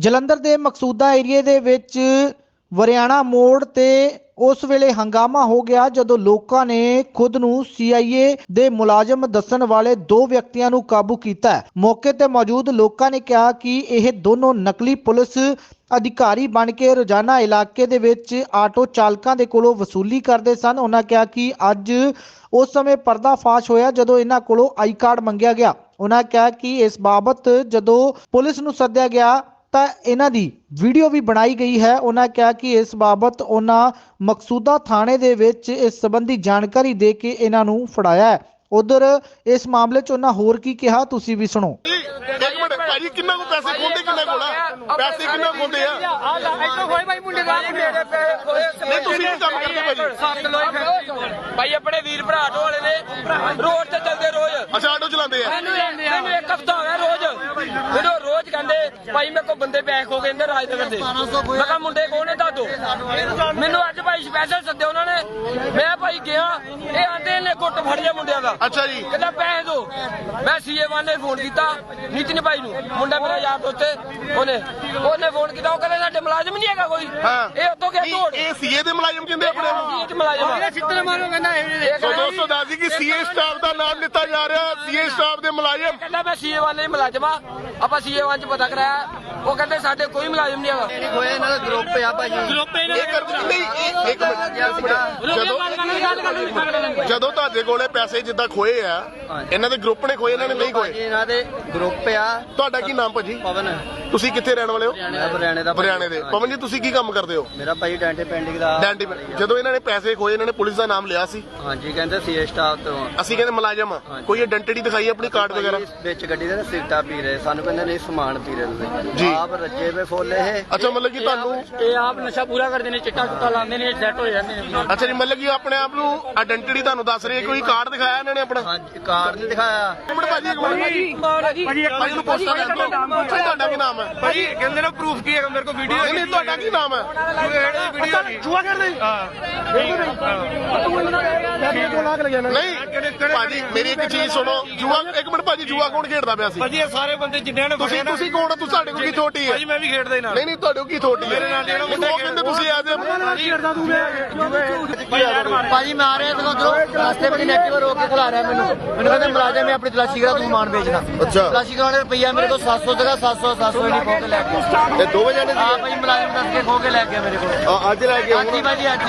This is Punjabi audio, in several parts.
ਜਲੰਧਰ ਦੇ ਮਕਸੂਦਾ ਏਰੀਏ ਦੇ ਵਿੱਚ ਵਰਿਆਣਾ ਮੋੜ ਤੇ ਉਸ ਵੇਲੇ ਹੰਗਾਮਾ ਹੋ ਗਿਆ ਜਦੋਂ ਲੋਕਾਂ ਨੇ ਖੁਦ ਨੂੰ ਸੀਆਈਏ ਦੇ ਮੁਲਾਜ਼ਮ ਦੱਸਣ ਵਾਲੇ ਦੋ ਵਿਅਕਤੀਆਂ ਨੂੰ ਕਾਬੂ ਕੀਤਾ। ਮੌਕੇ ਤੇ ਮੌਜੂਦ ਲੋਕਾਂ ਨੇ ਕਿਹਾ ਕਿ ਇਹ ਦੋਨੋਂ ਨਕਲੀ ਪੁਲਿਸ ਅਧਿਕਾਰੀ ਬਣ ਕੇ ਰੋਜ਼ਾਨਾ ਇਲਾਕੇ ਦੇ ਵਿੱਚ ਆਟੋ ਚਾਲਕਾਂ ਦੇ ਕੋਲੋਂ ਵਸੂਲੀ ਕਰਦੇ ਸਨ। ਉਹਨਾਂ ਕਿਹਾ ਕਿ ਅੱਜ ਉਸ ਸਮੇਂ ਪਰਦਾਫਾਸ਼ ਹੋਇਆ ਜਦੋਂ ਇਹਨਾਂ ਕੋਲੋਂ ਆਈ ਕਾਰਡ ਮੰਗਿਆ ਗਿਆ। ਉਹਨਾਂ ਕਿਹਾ ਕਿ ਇਸ ਬਾਬਤ ਜਦੋਂ ਪੁਲਿਸ ਨੂੰ ਸੱਦਿਆ ਗਿਆ ਤਾਂ ਇਹਨਾਂ ਦੀ ਵੀਡੀਓ ਵੀ ਬਣਾਈ ਗਈ ਹੈ। ਉਹਨਾਂ ਕਿਹਾ ਕਿ ਇਸ ਬਾਬਤ ਉਹਨਾਂ ਮਕਸੂਦਾ ਥਾਣੇ ਦੇ ਵਿੱਚ ਇਸ ਸੰਬੰਧੀ ਜਾਣਕਾਰੀ ਦੇ ਕੇ ਇਹਨਾਂ ਨੂੰ ਫੜਾਇਆ ਹੈ। ਉਧਰ ਇਸ ਮਾਮਲੇ 'ਚ ਉਹਨਾਂ ਹੋਰ ਕੀ ਕਿਹਾ ਤੁਸੀਂ ਵੀ ਸੁਣੋ। ਇੱਕ ਮਿੰਟ ਭਾਜੀ, ਕਿੰਨਾ ਕੋ ਪੈਸੇ ਖੋਂਦੇ, ਕਿੰਨਾ ਕੋਲ ਆ ਪੈਸੇ, ਕਿੰਨਾ ਖੋਂਦੇ ਆ? ਨਹੀਂ ਤੁਸੀਂ ਕੀ ਕੰਮ ਕਰਦੇ ਭਾਈ? ਆਪਣੇ ਵੀਰ ਭਰਾ ਆਟੋ ਵਾਲੇ ਨੇ ਰੋਡ ਤੇ ਚੱਲਦੇ ਰੋਜ਼। ਅੱਛਾ, ਆਟੋ ਚਲਾਉਂਦੇ ਆ। ਮੈਨੂੰ ਇੱਕ ਹਫ਼ਤਾ ਹੋ ਗਿਆ ਰੋਜ਼ ਰੋਜ਼ ਕਹਿੰਦੇ ਭਾਈ ਮੇਰੇ ਕੋਲ ਬੰਦੇ ਪੈਕ ਹੋ ਗਏ ਇੰਦਰ ਰਾਜਨਗਰ ਦੇ। ਮੈਂ ਕਿਹਾ ਮੁੰਡੇ ਕੌਣ ਨੇ ਦੱਸੋ ਮੈਨੂੰ। ਅੱਜ ਭਾਈ ਸਪੈਸ਼ਲ ਸੱਦੇ ਉਹਨਾਂ ਨੇ। ਮੈਂ ਭਾਈ ਗਿਆ, ਇਹ ਆਂਦੇ ਨੇ ਗੁੱਟ ਫੜ ਲਿਆ ਮੁੰਡਿਆਂ ਦਾ। ਅੱਛਾ ਜੀ, ਕਹਿੰਦਾ ਪੈਸੇ ਦੋ। ਮੈਂ ਸੀਏ1 ਨੇ ਫੋਨ ਕੀਤਾ ਨਿਤਿਨ ਭਾਈ ਨੂੰ, ਮੁੰਡਾ ਮੇਰਾ ਯਾਰ ਦੋਸਤ, ਉਹਨੇ ਫੋਨ ਕੀਤਾ। ਉਹ ਕਹਿੰਦਾ ਸਾਡੇ ਮੁਲਾਜ਼ਮ ਨਹੀਂ ਹੈਗਾ ਕੋਈ। ਇਹ ਉੱਥੋਂ ਗਿਆ ਤੋੜ। ਇਹ ਸੀਏ ਦੇ ਮੁਲਾਜ਼ਮ ਕਹਿੰਦੇ ਆਪਣੇ ਆਪ ਨੂੰ। ਮੁਲਾਜ਼ਮ ਛਿੱਤਰ ਮਾਰੋ ਕਹਿੰਦਾ। ਸੋ ਦੋਸਤੋ ਦੱਸ ਦਈਏ ਕਿ ਸੀਏ ਸਟਾਫ ਦਾ ਨਾਮ ਲਿੱਤਾ ਜਾ ਰਿਹਾ। ਸੀਏ ਸਟਾਫ ਦੇ ਮੁਲਾਜ਼ਮ ਕਹਿੰਦਾ ਮੈਂ ਸੀਏ1 ਦੇ ਮੁਲਾਜ਼ਮ ਆ। ਆਪਾਂ ਸੀਏ1 ਚ ਪਤਾ ਕਰਾਇਆ, ਉਹ ਕਹਿੰਦੇ ਸਾਡੇ ਕੋਈ ਮੁਲਾਜ਼ਮ ਨਹੀਂ ਹੈਗਾ। ਹੋਇਆ ਇਹਨਾਂ ਦਾ ਗਰੁੱਪ ਆ ਭਾਜੀ। ਇਹ ਕਰਦੇ ਨਹੀਂ। ਇੱਕ ਮਿੰਟ, ਜਦੋਂ ਤੁਹਾਡੇ ਕੋਲੇ ਪੈਸੇ ਜਿੱਦਾਂ ਖੋਏ ਆ, ਇਹਨਾਂ ਦੇ ਗਰੁੱਪ ਨੇ ਖੋਏ, ਇਹਨਾਂ ਨੇ ਨਹੀਂ ਖੋਏ? ਇਹਨਾਂ ਦੇ ਗਰੁੱਪ ਆ। ਤੁਹਾਡਾ ਕੀ ਨਾਮ ਭਾਜੀ? ਪਵਨ। ਤੁਸੀਂ ਕਿੱਥੇ ਰਹਿਣ ਵਾਲੇ ਹੋ? ਹਰਿਆਣੇ ਦਾ। ਹਰਿਆਣੇ ਦੇ। ਪਵਨ ਜੀ, ਤੁਸੀਂ ਕੀ ਕੰਮ ਕਰਦੇ ਹੋ? ਮੇਰਾ ਭਾਈ ਡੈਂਟੇ ਪੈਂਟਿੰਗ ਦਾ। ਜਦੋਂ ਇਹਨਾਂ ਨੇ ਪੈਸੇ ਖੋਏ, ਇਹਨਾਂ ਨੇ ਪੁਲਿਸ ਦਾ ਨਾਮ ਲਿਆ ਸੀ? ਹਾਂਜੀ, ਕਹਿੰਦੇ ਸੀਏ ਸਟਾਫ ਤੋਂ। ਅਸੀਂ ਕਹਿੰਦੇ ਮੁਲਾਜ਼ਮ ਆ। ਕੋਈ ਆਇਡੈਂਟੀ ਦਿਖਾਈ ਆਪਣੀ, ਕਾਰਡ ਵਗੈਰਾ? ਵਿੱਚ ਗੱਡੀ ਦੇ ਸਿਗਰਟਾਂ ਪੀ ਰਹੇ, ਸਾਨੂੰ ਕਹਿੰਦੇ ਨਹੀਂ ਸਮਾਨ ਪੀ ਰਹੇ ਤੁਸੀਂ। ਆਪ ਰੱਜੇ ਵੇ ਫੋਲੇ ਇਹ। ਅੱਛਾ, ਮਤਲਬ ਕਿ ਤੁਹਾਨੂੰ ਇਹ ਆਪ ਨਸ਼ਾ ਪੂਰਾ ਕਰਦੇ ਨੇ, ਚਿੱਟਾ ਚੁੱਟਾ ਲਾਉਂਦੇ ਨੇ, ਸੈੱਟ ਹੋ ਜਾਂਦੇ ਨੇ। ਅੱਛਾ ਜੀ, ਮਤਲਬ ਕਿ ਆਪਣੇ ਆਪ ਨੂੰ ਆਇਡੈਂਟੀ ਤੁਹਾਨੂੰ ਦੱਸ ਰਹੀ ਹੈ। ਕੋਈ ਕਾਰਡ ਦਿਖਾਇਆ ਇਹਨਾਂ ਨੇ ਆਪਣਾ? ਹਾਂਜੀ, ਕਾਰਡ ਨਹੀਂ ਦਿਖਾਇਆ। ਇੱਕ ਮਿੰਟ ਭਾਜੀ, ਇੱਕ ਮਿੰਟ ਭਾਜੀ ਨੂੰ ਪੁੱਛਣਾ ਚਾਹੁੰਦਾ। ਤੁਹਾਡਾ ਕੀ ਨਾਮ ਹੈ ਭਾਜੀ? ਕਹਿੰਦੇ ਨੇ ਪ੍ਰੂਫ ਕੀ ਹੈ ਮੇਰੇ ਕੋਲ? ਵੀਡੀਓ ਨਹੀਂ, ਤੁਹਾਡਾ ਕੀ ਨਾਮ ਹੈ? ਜੂਆ ਖੇਡਦੇ। ਨਹੀਂ ਭਾਜੀ, ਮੇਰੀ ਇੱਕ ਚੀਜ਼ ਸੁਣੋ। ਜੂਆ, ਇੱਕ ਮਿੰਟ ਭਾਜੀ, ਜੂਆ ਕੌਣ ਖੇਡਦਾ ਪਿਆ ਸੀ? ਭਾਜੀ ਇਹ ਸਾਰੇ ਬੰਦੇ ਜਿੰਨਿਆਂ ਨੇ ਤੁਸੀਂ ਕੌਣ ਹੋ? ਤੁਸੀਂ ਸਾਡੇ ਕੋਲ ਕੀ ਥੋਟੀ ਹੈ? ਭਾਜੀ ਮੈਂ ਵੀ ਖੇਡਦਾ ਹੀ ਨਾਲ। ਨਹੀਂ ਤੁਹਾਡੇ ਕੋਲ ਕੀ ਥੋਟੀ ਹੈ? ਮੇਰੇ ਨਾਲ ਜਿਹੜਾ ਮੁੰਡਾ ਉਹ ਕਹਿੰਦੇ ਤੁਸੀਂ ਆ ਜਾਓ। ਭਾਜੀ ਮੈਂ ਆ ਰਿਹਾ ਤੇ ਉਧਰੋਂ ਰਸਤੇ ਵਿੱਚ ਨੈਟਵਰ ਰੋਕ ਕੇ ਖਲਾ ਰਿਹਾ ਮੈਨੂੰ ਕਹਿੰਦੇ ਮੁਲਾਜ਼ਮ ਹੈ ਆਪਣੀ ਤਲਾਸ਼ੀ ਕਰਾ, ਤੂੰ ਮਾਨ ਵੇਚਣਾ। ਅੱਛਾ, ਤਲਾਸ਼ੀ ਕਰਾਉਣੇ ਰੁਪਈਆ ਮੇਰੇ ਕੋਲ 700 ਸੀਗਾ। 700 ਨਹੀਂ ਖੋ ਕੇ ਲੈ ਗਿਆ। ਇਹ ਦੋਵੇਂ ਜਣੇ ਹਾਂ ਭਾਈ, ਮੁਲਾਜ਼ਮ ਦੱਸ ਕੇ ਖੋ ਕੇ ਲੈ ਗਿਆ ਮੇਰੇ ਕੋਲ। ਅੱਜ ਲੈ ਕੇ ਹਾਂਜੀ ਭਾਜੀ, ਅੱਜ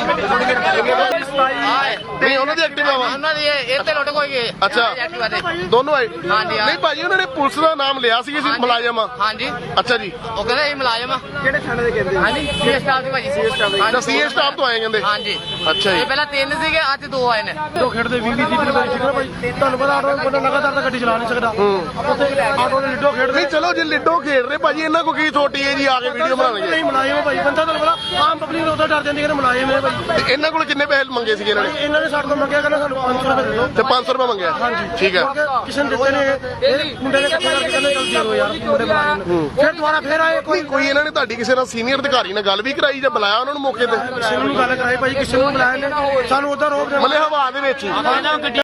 ਨਹੀਂ, ਉਹਨਾਂ ਦੀ ਐਕਟਿਵਾ ਵਾ। ਉਹਨਾਂ ਦੀ ਇਹ ਤੇ ਲੁੱਟ ਕੋਈ ਗਏ। ਅੱਛਾ, ਦੋਨੋਂ ਆਏ? ਹਾਂਜੀ। ਨਹੀਂ ਭਾਜੀ, ਉਹਨਾਂ ਨੇ ਪੁਲਿਸ ਦਾ ਨਾਮ ਲਿਆ ਸੀ, ਅਸੀਂ ਮੁਲਾਜ਼ਮ ਆ। ਹਾਂਜੀ, ਅੱਛਾ ਜੀ, ਉਹ ਕਹਿੰਦੇ ਇਹ ਮੁਲਾਜ਼ਮ ਆ। ਕਿਹੜੇ ਥਾਣੇ ਦੇ ਕਹਿੰਦੇ? ਹਾਂਜੀ, ਸੀਏ ਸਟਾਫ ਦੇ ਭਾਜੀ। ਸੀਏ ਸਟਾਫ ਤੋਂ ਆਏ ਕਹਿੰਦੇ? ਹਾਂਜੀ। ਅੱਛਾ ਜੀ, ਇਹ ਪਹਿਲਾਂ 3 ਸੀਗੇ, ਅੱਜ 2 ਆਏ ਨੇ। ਦੋ ਖੇਡਦੇ 20-30 ਰੁਪਏ ਸੀਗਾ ਭਾਈ। ਤੁਹਾਨੂੰ ਪਤਾ ਆਟੋ ਬੰਦਾ ਲਗਾਤਾਰ ਤਾਂ ਗੱਡੀ ਚਲਾ ਨਹੀਂ ਸਕਦਾ। ਉੱਥੇ ਆਟੋ ਦੇ ਲਿੱਡੋ ਖੇਡਦੇ। ਨਹੀਂ ਚਲੋ ਜੇ ਲਿੱਡੋ ਖੇਡ ਰਹੇ ਭਾਜੀ, ਇਹਨਾਂ ਕੋ ਕੀ ਥੋਟੀ ਹੈ ਜੀ ਆ ਕੇ ਵੀਡੀਓ ਬਣਾਉਣਗੇ? ਨਹੀਂ ਮੁਲਾਜ਼ਮ ਭਾਈ, ਬੰਦਾ ਤੁਹਾਨੂੰ ਪਤਾ ਆਮ ਪਬਲਿਕ ਉਦੋਂ ਡਰ ਜਾਂਦੀ ਹੈ ਮੁਲਾਜ਼ਮ ਹੈ ਭਾਈ। ਤੇ ਇਹਨਾਂ ਕੋਲ ਕਿੰਨੇ ਪੈਸੇ ਮੰਗੇ ਸੀਗੇ ਇਹਨਾਂ ਨੇ? ਇਹਨਾਂ ਨੇ ਸਾਡੇ ਕੋਲ ਮੰਗਿਆ, ਕਹਿੰਦਾ ਸਾਨੂੰ 500 ਰੁਪਏ ਦੇ ਦਿਓ। ਤੇ 500 ਰੁਪਏ ਮੰਗਿਆ? ਠੀਕ ਹੈ। ਕਿਸੇ ਨੇ ਦਿੱਤੇ ਨੇ, ਇਹ ਮੁੰਡੇ ਨੇ ਇਕੱਠੇ ਕਰਕੇ ਕਹਿੰਦੇ ਚੱਲ ਦੇ ਦਿਓ ਯਾਰ ਮੁੰਡੇ ਮੁਲਾਜ਼ਮ ਨੂੰ। ਫਿਰ ਦੁਬਾਰਾ ਫਿਰ ਆਏ। ਕੋਈ ਇਹਨਾਂ ਨੇ ਤੁਹਾਡੀ ਕਿਸੇ ਨਾਲ ਸੀਨੀਅਰ ਅਧਿਕਾਰੀ ਨਾਲ ਗੱਲ ਵੀ ਕਰਾਈ ਜਾਂ ਬੁਲਾਇਆ ਉਹਨਾਂ ਨੂੰ ਮੌਕੇ ਤੇ? ਕਿਸੇ ਨੂੰ ਗੱਲ ਕਰਾਈ ਭਾਈ, ਕਿਸੇ ਨੂੰ ਬੁਲਾਇਆ ਨੇ, ਸਾਨੂੰ ਉਧਰ ਰੋਕ ਦੇ ਮਤਲਬ ਹਵਾ ਦੇ ਵਿੱਚ ਹੀ?